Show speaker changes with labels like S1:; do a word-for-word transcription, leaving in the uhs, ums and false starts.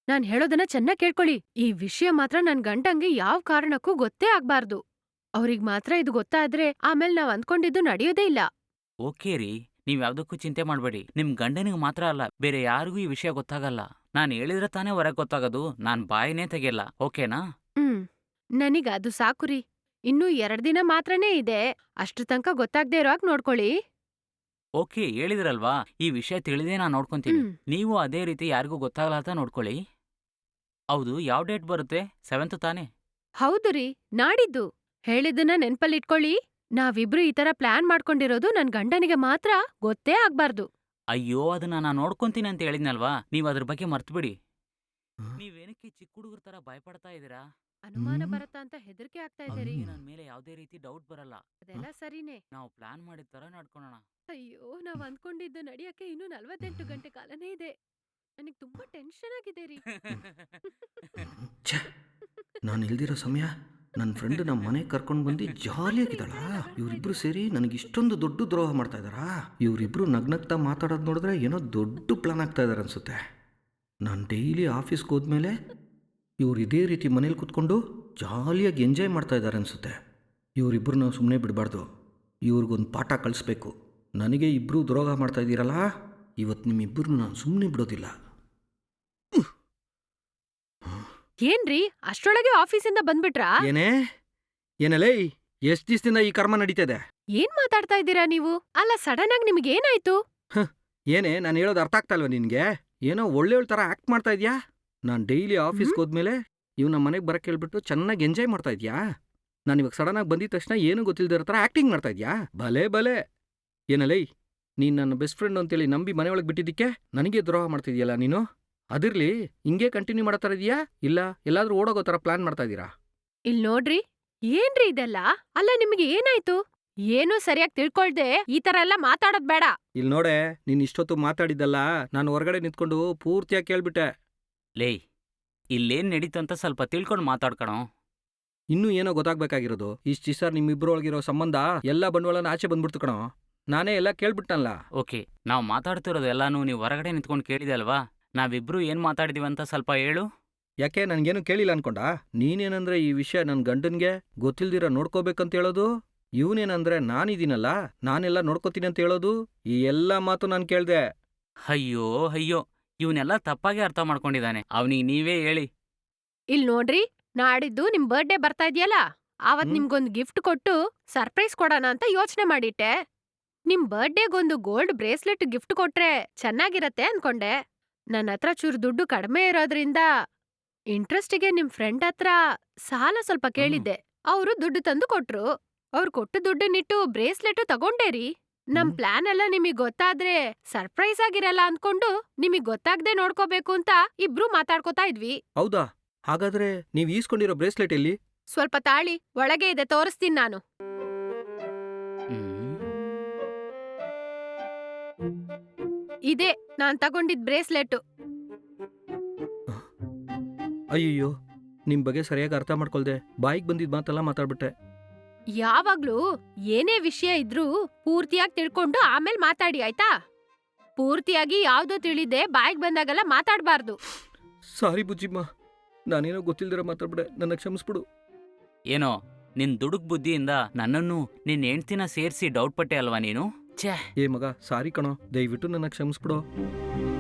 S1: ನಾನ್ ಹೇಳೋದನ್ನ ಚೆನ್ನಾಗ್ ಕೇಳ್ಕೊಳ್ಳಿ. ಈ ವಿಷಯ ಮಾತ್ರ ನನ್ ಗಂಡಂಗೆ ಯಾವ್ ಕಾರಣಕ್ಕೂ ಗೊತ್ತೇ ಆಗ್ಬಾರ್ದು. ಅವ್ರಿಗ್ ಮಾತ್ರ ಇದು ಗೊತ್ತಾದ್ರೆ ಆಮೇಲ್ ನಾವ್ ಅಂದ್ಕೊಂಡಿದ್ದು ನಡೆಯೋದೇ ಇಲ್ಲ.
S2: ಓಕೆ ರೀ, ನೀವ್ ಯಾವ್ದಕ್ಕೂ ಚಿಂತೆ ಮಾಡ್ಬೇಡಿ. ನಿಮ್ ಗಂಡನಿಗೆ ಮಾತ್ರ ಅಲ್ಲ, ಬೇರೆ ಯಾರಿಗೂ ಈ ವಿಷಯ ಗೊತ್ತಾಗಲ್ಲ. ನಾನ್ ಹೇಳಿದ್ರೆ ತಾನೇ ಹೊರಗ್ ಗೊತ್ತಾಗೋದು. ನಾನ್ ಬಾಯಿನೇ ತೆಗಿಯಲ್ಲ, ಓಕೆನಾ?
S1: ಹ್ಮ್. ನನಗ್ ಅದು ಸಾಕುರಿ. ಇನ್ನೂ ಎರಡ್ ದಿನ ಮಾತ್ರನೇ ಇದೆ. ಅಷ್ಟ್ರ ತನಕ ಗೊತ್ತಾಗ್ದೇ ಇರೋ ಹಾಗ್ ನೋಡ್ಕೊಳ್ಳಿ.
S2: ಓಕೆ, ಹೇಳಿದ್ರಲ್ವಾ, ಈ ವಿಷಯ ತಿಳಿದೇ ನಾನ್ ನೋಡ್ಕೊಂತೀನಿ.
S1: ಹ್ಮ್.
S2: ನೀವು ಅದೇ ರೀತಿ ಯಾರಿಗೂ ಗೊತ್ತಾಗಲಾರ್ದ ನೋಡ್ಕೊಳ್ಳಿ. ಹೌದು, ಯಾವ ಡೇಟ್ ಬರುತ್ತೆ? ಸೆವೆಂತ್ ತಾನೇ?
S1: ಹೌದು ರೀ, ನಾಡಿದ್ದು. ಹೇಳಿದ್ದನ್ನ ನೆನ್ಪಲ್ಲಿಟ್ಕೊಳ್ಳಿ. ನಾವಿಬ್ರು ಈ ತರ ಪ್ಲಾನ್ ಮಾಡ್ಕೊಂಡಿರೋದು ನನ್ ಗಂಡನಿಗೆ ಮಾತ್ರ ಗೊತ್ತೇ ಆಗ್ಬಾರ್ದು.
S2: ಅಯ್ಯೋ, ಅದನ್ನ ನಾನ್ ನೋಡ್ಕೊಂತೀನಿ ಅಂತ ಹೇಳಿದ್ನಲ್ವಾ, ನೀವ್ ಅದ್ರ ಬಗ್ಗೆ ಮರ್ತ್ಬಿಡಿ.
S3: ಆ?
S2: ನೀವೇನಕ್ಕೆ ಚಿಕ್ಕ ಹುಡುಗರ ತರ ಭಯಪಡ್ತಾ ಇದೀರಾ?
S1: ಅನುಮಾನ
S3: ಹ್ಮ್.
S1: ಬರತ್ತಾ ಅಂತ ಹೆದರಿಕೆ ಆಗ್ತಾ ಇದೆ ರೀ.
S2: ಅವ್ನಿಗೆ ನನ್ ಮೇಲೆ ಯಾವ್ದೇ ರೀತಿ ಡೌಟ್ ಬರಲ್ಲ.
S1: ಅದೆಲ್ಲ ಸರಿನೇ.
S2: ನಾವು ಪ್ಲಾನ್ ಮಾಡಿದ ತರ ನಡ್ಕೊಳೋಣ.
S1: ಅಯ್ಯೋ, ನಾವ್ ಅಂದ್ಕೊಂಡಿದ್ದು ನಡಿಯಕ್ಕೆ ಇನ್ನೂ ನಲವತ್ತೆಂಟು ಗಂಟೆ ಕಾಲನೇ ಇದೆ. ನನಗ್ ತುಂಬಾ ಟೆನ್ಷನ್ ಆಗಿದೆ ರೀ.
S3: ಛೇ, ನಾನು ಇಲ್ದಿರೋ ಸಮಯ ನನ್ನ ಫ್ರೆಂಡ್ ನಮ್ಮ ಮನೆಗೆ ಕರ್ಕೊಂಡು ಬಂದು ಜಾಲಿಯಾಗಿದ್ದಾಳ. ಇವರಿಬ್ರು ಸೇರಿ ನನಗೆ ಇಷ್ಟೊಂದು ದೊಡ್ಡ ದ್ರೋಹ ಮಾಡ್ತಾ ಇದ್ದಾರಾ? ಇವರಿಬ್ರು ನಗ್ನಗ್ತಾ ಮಾತಾಡೋದು ನೋಡಿದ್ರೆ ಏನೋ ದೊಡ್ಡ ಪ್ಲಾನ್ ಆಗ್ತಾ ಇದ್ದಾರೆ ಅನ್ಸುತ್ತೆ. ನಾನು ಡೈಲಿ ಆಫೀಸ್ಗೆ ಹೋದ್ಮೇಲೆ ಇವ್ರು ಇದೇ ರೀತಿ ಮನೇಲಿ ಕೂತ್ಕೊಂಡು ಜಾಲಿಯಾಗಿ ಎಂಜಾಯ್ ಮಾಡ್ತಾ ಇದ್ದಾರೆ ಅನ್ಸುತ್ತೆ. ಇವರಿಬ್ಬರು ನಾವು ಸುಮ್ಮನೆ ಬಿಡಬಾರ್ದು. ಇವ್ರಿಗೊಂದು ಪಾಠ ಕಳಿಸ್ಬೇಕು. ನನಗೆ ಇಬ್ಬರು ದ್ರೋಹ ಮಾಡ್ತಾ ಇದ್ದೀರಲ್ಲ, ಇವತ್ತು ನಿಮ್ಮಿಬ್ಬರು ನಾನು ಸುಮ್ಮನೆ ಬಿಡೋದಿಲ್ಲ.
S1: ಏನ್ರಿ, ಅಷ್ಟ್ರೊಳಗೆ ಆಫೀಸಿಂದ ಬಂದ್ಬಿಟ್ರಾ?
S3: ಏನೇ ಏನಲೇ, ಎಷ್ಟು ದಿವಸದಿಂದ ಈ ಕರ್ಮ ನಡೀತಾ ಇದೆ?
S1: ಏನ್ ಮಾತಾಡ್ತಾ ಇದ್ದೀರಾ ನೀವು? ಅಲ್ಲ, ಸಡನ್ ಆಗಿ ನಿಮ್ಗೆ ಏನಾಯ್ತು?
S3: ಏನೇ ನಾನು ಹೇಳೋದು ಅರ್ಥ ಆಗ್ತಾ ಇಲ್ವಾ ನಿನಗೆ? ಏನೋ ಒಳ್ಳೆ ಥರ ಆ್ಯಕ್ಟ್ ಮಾಡ್ತಾ ಇದೆಯಾ? ನಾನು ಡೈಲಿ ಆಫೀಸ್ಗೆ ಹೋದ್ಮೇಲೆ ಇವ್ ನಮ್ಮ ಮನೆಗೆ ಬರಕ್ಕೆ ಹೇಳ್ಬಿಟ್ಟು ಚೆನ್ನಾಗಿ ಎಂಜಾಯ್ ಮಾಡ್ತಾ ಇದೆಯಾ? ನಾನು ಇವಾಗ ಸಡನ್ನಾಗಿ ಬಂದಿದ ತಕ್ಷಣ ಏನೂ ಗೊತ್ತಿಲ್ಲದಿರೋ ಥರ ಆ್ಯಕ್ಟಿಂಗ್ ಮಾಡ್ತಾ ಇದೆಯಾ? ಭಲೇ ಭಲೇ. ಏನಲೇ, ನೀನು ನನ್ನ ಬೆಸ್ಟ್ ಫ್ರೆಂಡ್ ಅಂತೇಳಿ ನಂಬಿ ಮನೆಯೊಳಗೆ ಬಿಟ್ಟಿದ್ದಕ್ಕೆ ನನಗೆ ದ್ರೋಹ ಮಾಡ್ತಿದ್ಯಲ್ಲ ನೀನು? ಅದಿರ್ಲಿ, ಹಿಂಗೆ ಕಂಟಿನ್ಯೂ ಮಾಡೋ ಥರ ಇದೆಯಾ, ಇಲ್ಲ ಎಲ್ಲಾದ್ರೂ ಓಡೋಗೋ ಥರ ಪ್ಲಾನ್ ಮಾಡ್ತಾ ಇದ್ದೀರಾ?
S1: ಇಲ್ ನೋಡ್ರಿ, ಏನ್ರಿ ಇದೆಲ್ಲ? ಅಲ್ಲ, ನಿಮ್ಗೆ ಏನಾಯ್ತು? ಏನೂ ಸರಿಯಾಗಿ ತಿಳ್ಕೊಳ್ದೆ ಈ ತರ ಎಲ್ಲ ಮಾತಾಡೋದ್ ಬೇಡ.
S3: ಇಲ್ಲಿ ನೋಡೆ, ನೀನು ಇಷ್ಟೊತ್ತು ಮಾತಾಡಿದ್ದಲ್ಲ ನಾನು ಹೊರಗಡೆ ನಿಂತ್ಕೊಂಡು ಪೂರ್ತಿಯಾಗಿ ಕೇಳ್ಬಿಟ್ಟೆ.
S2: ಲೇ, ಇಲ್ಲೇನ್ ನಡೀತು ಅಂತ ಸ್ವಲ್ಪ ತಿಳ್ಕೊಂಡು ಮಾತಾಡ್ಕಣೋ.
S3: ಇನ್ನೂ ಏನೋ ಗೊತ್ತಾಗ್ಬೇಕಾಗಿರೋದು. ಇಷ್ಟು ದಿವಸ ನಿಮ್ಮಿಬ್ಬರೊಳಗಿರೋ ಸಂಬಂಧ ಎಲ್ಲ ಬಂಡವಾಳನ ಆಚೆ ಬಂದ್ಬಿಡ್ತು ಕಣೋ. ನಾನೇ ಎಲ್ಲ ಕೇಳ್ಬಿಟ್ಟನಲ್ಲ.
S2: ಓಕೆ, ನಾವು ಮಾತಾಡ್ತಿರೋದು ಎಲ್ಲಾನು ನೀವು ಹೊರಗಡೆ ನಿಂತ್ಕೊಂಡು ಕೇಳಿದೆ ಅಲ್ವಾ? ನಾವಿಬ್ರು ಏನ್ ಮಾತಾಡಿದೀವಿ ಅಂತ ಸ್ವಲ್ಪ ಹೇಳು.
S3: ಯಾಕೆ ನನಗೇನು ಕೇಳಿಲ್ಲ ಅನ್ಕೊಂಡ? ನೀನೇನಂದ್ರೆ ಈ ವಿಷಯ ನನ್ನ ಗಂಡನ್ಗೆ ಗೊತ್ತಿಲ್ದಿರ ನೋಡ್ಕೋಬೇಕಂತ ಹೇಳೋದು, ಇವನೇನಂದ್ರೆ ನಾನಿದ್ದೀನಲ್ಲ ನಾನೆಲ್ಲ ನೋಡ್ಕೋತೀನಿ ಅಂತ ಹೇಳೋದು, ಈ ಎಲ್ಲ ಮಾತು ನಾನು ಕೇಳ್ದೆ.
S2: ಅಯ್ಯೋ ಅಯ್ಯೋ, ಇವನ್ನೆಲ್ಲ ತಪ್ಪಾಗಿ ಅರ್ಥ ಮಾಡ್ಕೊಂಡಿದ್ದಾನೆ. ಅವನಿಗೆ ನೀವೇ ಹೇಳಿ.
S1: ಇಲ್ ನೋಡ್ರಿ, ನಾಡಿದ್ದು ನಿಮ್ ಬರ್ಡೇ ಬರ್ತಾ ಇದೆಯಲ್ಲ, ಆವತ್
S3: ಹ್ಮ್?
S1: ನಿಮ್ಗೊಂದ್ ಗಿಫ್ಟ್ ಕೊಟ್ಟು ಸರ್ಪ್ರೈಸ್ ಕೊಡೋಣ ಅಂತ ಯೋಚನೆ ಮಾಡಿಟ್ಟೆ. ನಿಮ್ ಬರ್ಡೇಗೊಂದು ಗೋಲ್ಡ್ ಬ್ರೇಸ್ಲೆಟ್ ಗಿಫ್ಟ್ ಕೊಟ್ರೆ ಚೆನ್ನಾಗಿರತ್ತೆ ಅನ್ಕೊಂಡೆ. ನನ್ ಹತ್ರ ಚೂರು ದುಡ್ಡು ಕಡಿಮೆ ಇರೋದ್ರಿಂದ ಇಂಟ್ರೆಸ್ಟಿಗೆ ನಿಮ್ ಫ್ರೆಂಡ್ ಹತ್ರ ಸಾಲ ಸ್ವಲ್ಪ ಕೇಳಿದ್ದೆ. ಅವ್ರು ದುಡ್ಡು ತಂದು ಕೊಟ್ರು. ಅವ್ರು ಕೊಟ್ಟು ದುಡ್ಡನ್ನಿಟ್ಟು ಬ್ರೇಸ್ಲೆಟ್ ತಗೊಂಡೇ ರೀ. ನಮ್
S3: ಹ್ಮ್?
S1: ಪ್ಲಾನ್ ಎಲ್ಲ ನಿಮಿಗ್ ಗೊತ್ತಾದ್ರೆ ಸರ್ಪ್ರೈಸ್ ಆಗಿರಲ್ಲ ಅನ್ಕೊಂಡು ನಿಮಿಗ್ ಗೊತ್ತಾಗ್ದೆ ನೋಡ್ಕೋಬೇಕು ಅಂತ ಇಬ್ರು ಮಾತಾಡ್ಕೋತಾ ಇದ್ವಿ.
S3: ಹೌದಾ? ಹಾಗಾದ್ರೆ ನೀವು ಈಸ್ಕೊಂಡಿರೋ ಬ್ರೇಸ್ಲೆಟ್ ಎಲ್ಲಿ?
S1: ಸ್ವಲ್ಪ ತಾಳಿ, ಒಳಗೆ ಇದೆ, ತೋರಿಸ್ತೀನಿ ನಾನು.
S2: ಹ್ಮ್.
S1: ಇದೇ ನಾನ್ ತಗೊಂಡಿದ್ ಬ್ರೇಸ್ಲೆಟ್.
S3: ಅಯ್ಯಯ್ಯೋ, ನಿಮ್ಮ ಬಗ್ಗೆ ಸರಿಯಾಗಿ ಅರ್ಥ ಮಾಡ್ಕೊಳ್ದೆ ಬಾಯಿಗೆ ಬಂದಿದ್ದ ಮಾತೆಲ್ಲ ಮಾತಾಡ್ಬಿಟ್ಟೆ.
S1: ಯಾವಾಗ್ಲೂ ಏನೇ ವಿಷಯ ಇದ್ರೂ ಪೂರ್ತಿಯಾಗಿ ತಿಳ್ಕೊಂಡು ಆಮೇಲ್ ಮಾತಾಡಿ, ಆಯ್ತಾ? ಪೂರ್ತಿಯಾಗಿ ಯಾವ್ದೋ ತಿಳಿದೆ ಬಾಯಿಗೆ ಬಂದಾಗೆಲ್ಲ ಮಾತಾಡ್ಬಾರ್ದು.
S3: ಸಾರಿ ಬುಜ್ಜಿಮ್ಮ, ನಾನೇನೋ ಗೊತ್ತಿಲ್ದಿರ ಮಾತಾಡ್ಬಿಡೆ, ನನ್ನ ಕ್ಷಮಿಸ್ಬಿಡು.
S2: ಏನೋ ನಿನ್ ದುಡುಕ್ ಬುದ್ಧಿಯಿಂದ ನನ್ನನ್ನು ನಿನ್ ಹೆಂಡ್ತಿನ ಸೇರಿಸಿ ಡೌಟ್ ಪಟ್ಟೆ ಅಲ್ವಾ ನೀನು? ಛೇ.
S3: ಏ ಮಗ, ಸಾರಿ ಕಣೋ, ದಯವಿಟ್ಟು ನನ್ನ ಕ್ಷಮಿಸ್ಬಿಡು.